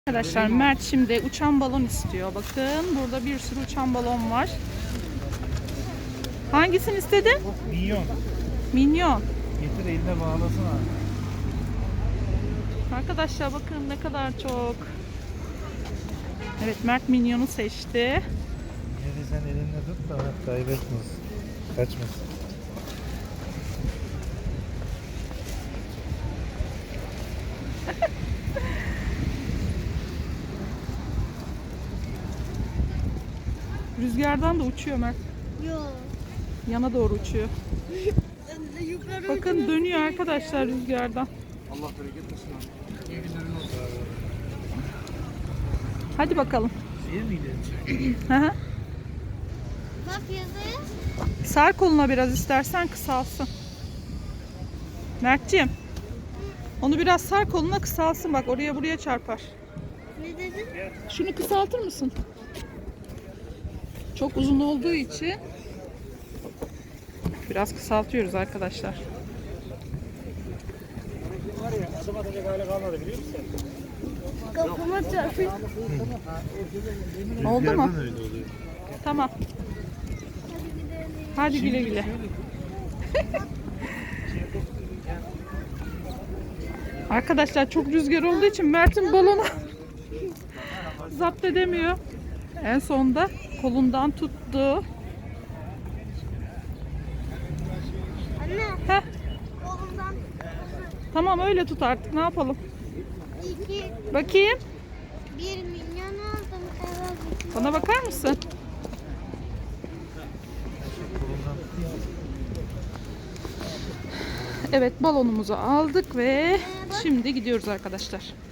Arkadaşlar Mert şimdi uçan balon istiyor. Bakın burada bir sürü uçan balon var. Hangisini istedin? Minyon. Minyon. Getir eline bağlasın abi. Arkadaşlar bakın ne kadar çok. Evet Mert minyonu seçti. Yine de sen elinle tut da kaybetmesin. Kaçmasın. Rüzgardan da uçuyor Mert. Yok. Yana doğru uçuyor. Yukarı Bakın dönüyor arkadaşlar rüzgardan. Allah bereket versin abi. İyi günlerin olsun abi. Hadi bakalım. Şeye mi gidelim? Hı hı. bak yazıyor. Sar koluna biraz istersen kısalsın. Mertciğim. Onu biraz sar koluna kısalsın, bak oraya buraya çarpar. Ne dedin? Şunu kısaltır mısın? Çok uzun olduğu için biraz kısaltıyoruz arkadaşlar. Var ya adım atacak hale kalmadı biliyor musun? Kafama çarpıyor. Oldu mu? Öyle oluyor. Tamam. Hadi güle güle. Arkadaşlar çok rüzgar olduğu için Mert'in balonu zapt edemiyor. En sonunda kolundan tuttu. Anne, Heh, kolumdan tamam öyle tut artık, ne yapalım. 2, Bakayım. 1 milyon aldım. Evet. Bana bakar mısın? Evet balonumuzu aldık ve şimdi gidiyoruz arkadaşlar.